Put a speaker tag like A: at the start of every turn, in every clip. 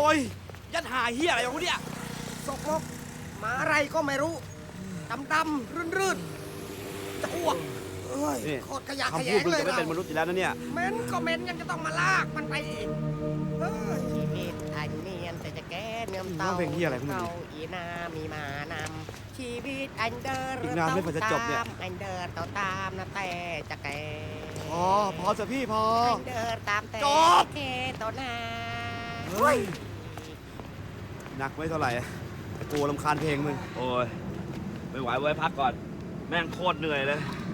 A: ยยัดหาเฮียอะไรของเนี่ย
B: สกปรกหมาอะไรก็ไม่รู้ดำๆรื่นๆจะอ้วกเอ้ยโคตรขยะแขย
A: คำพูด
B: ง
A: มึง
B: เลย
A: จะไม่เป็นมนุษย์อยู่แล้วนะเนี่ย
B: เม้นก็เม้นยังจะต้องมาลากมันไปอีกเฮ้ย
C: ชีวิตอันเนียนแต่จะแก้เนื้อเต่า
A: เพลงเหี้ยอะไรของมึง
C: เต่าอีนามีมานำชีวิตอันเดิน
A: อีกนานไม่กว่าจะจบเนี่ย
C: อันเดินเต่าตามนะแต่จะแก่
A: พอจะพี่พอ
C: อันเดินตามแต่
A: จบ
C: แก่ต่อหน้า
A: เฮ้ยหนักไม่เท่าไหร่แต่กูรำคาญเพลงมึง
D: โอ้ยไม่ไหวเว้ยพักก่อน แม่งโคตรเหนื่อยเลย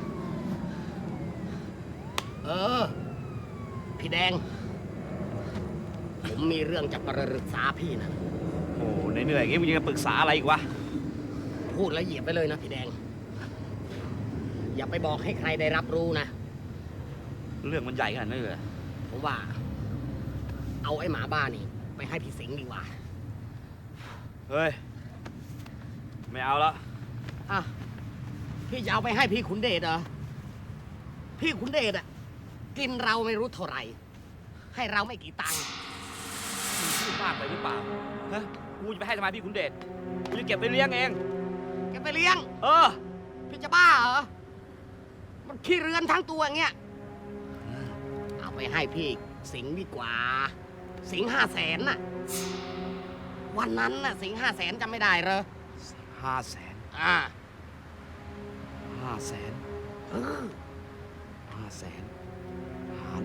C: พี่แดง ผมมีเรื่องจะปรึกษาพี่นะ
D: โอ้เหนื่อยๆอย่างงี้มึงยังจะปรึกษาอะไรอีกวะ
C: พูดแล้วเหยียบไปเลยนะพี่แดง อย่าไปบอกให้ใครได้รับรู้นะ
D: เรื่องมันใหญ่ขนาดนั้นเลยเหรอ
C: ผมว่า เอาไอ้หมาบ้านี่ไปให้พี่สิงห์ดีกว่า
D: เฮ้ย ไม่เอาละ
C: อ่ะพี่จะเอาไปให้พี่ขุนเดชเหรอ พี่ขุนเดชอ่ะกินเราไม่รู้เท่าไหร่ ให้เราไม่กี่ตังค์
D: มึงพูดมากไปหรือเปล่า ฮะ กูจะไปให้ทำไมพี่ขุนเดชกูจะเก็บไปเลี้ยงเอง
C: แกไปเลี้ยง
D: เออ
C: พี่จะบ้าเหรอ มันขี้เรือนทั้งตัวอย่างเงี้ย เอาไปให้พี่สิงห์ดีกว่า สิงห์500,000น่ะ วันนั้นน่ะสิงห์500,000จำไม่ได้เหรอ
D: 500,000
C: อ่า
D: 500,000
C: เออ
D: 500,000 หาร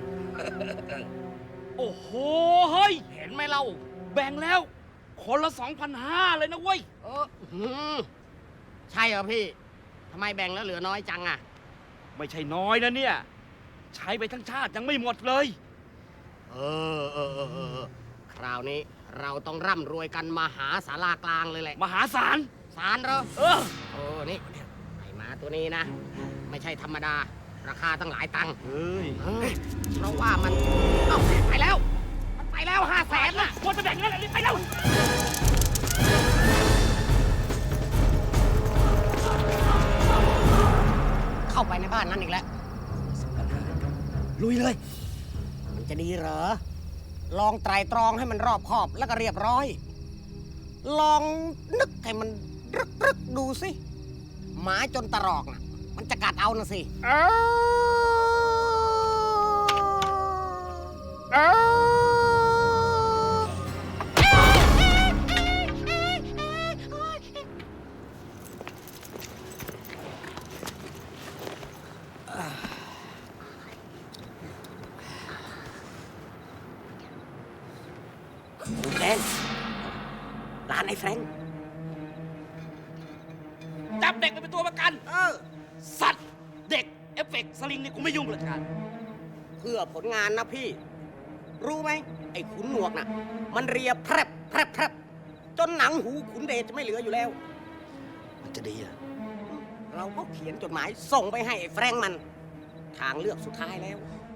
D: 2 โอ้โห เฮ้ย
C: เห็นไหมเรา
D: แบ่งแล้ว คนละ 2,500 เลยนะเว้ย
C: หืมใช่เหรอพี่ทำไมแบ่งแล้วเหลือน้อยจังอ่ะ
D: ไม่ใช่น้อยนะเนี่ย ใช้ไปทั้งชาติยังไม่หมดเลย
C: เออ คราวนี้เราต้องร่ำรวยกันมหาศาลากลางเลยแหละ
D: มหาศาล
C: ศาลเหรอ
D: เออ
C: นี่ไอ้หมาตัวนี้นะ ไม่ใช่ธรรมดา ราคาตั้งหลายตังค์
D: เฮ้ย
C: เพราะว่ามันเอ้าไปแล้ว มันไปแล้ว500,000น่ะ
D: ควรจะแบ่งเงินอะไรไปแล้ว
C: เข้าไปในบ้านนั้นอีกแล้ว ลุยเลย มันจะดีเหรอ ลองไตรตรองให้มันรอบคอบแล้วก็เรียบร้อย ลองนึกให้มันรึกดูสิ หมาจนตรอกน่ะ มันจะกัดเอานะสิ แฟรงค์ร้านไอ้แฟรงค์
D: จับเด็กไปเป็นตัวประกัน สัตว์ เด็ก เอฟเฟกต์สลิงนี่กูไม่ยุ่งเลยการ
C: เพื่อผลงานนะพี่ รู้ไหม ไอ้ขุนหนวกน่ะ มันเรียแพรบจนหนังหูขุนเดชจะไม่เหลืออยู่แล้ว
D: มันจะดีเหรอ
C: เราก็เขียนจดหมายส่งไปให้ไอ้แฟรงค์มัน ทางเลือกสุดท้ายแล้ว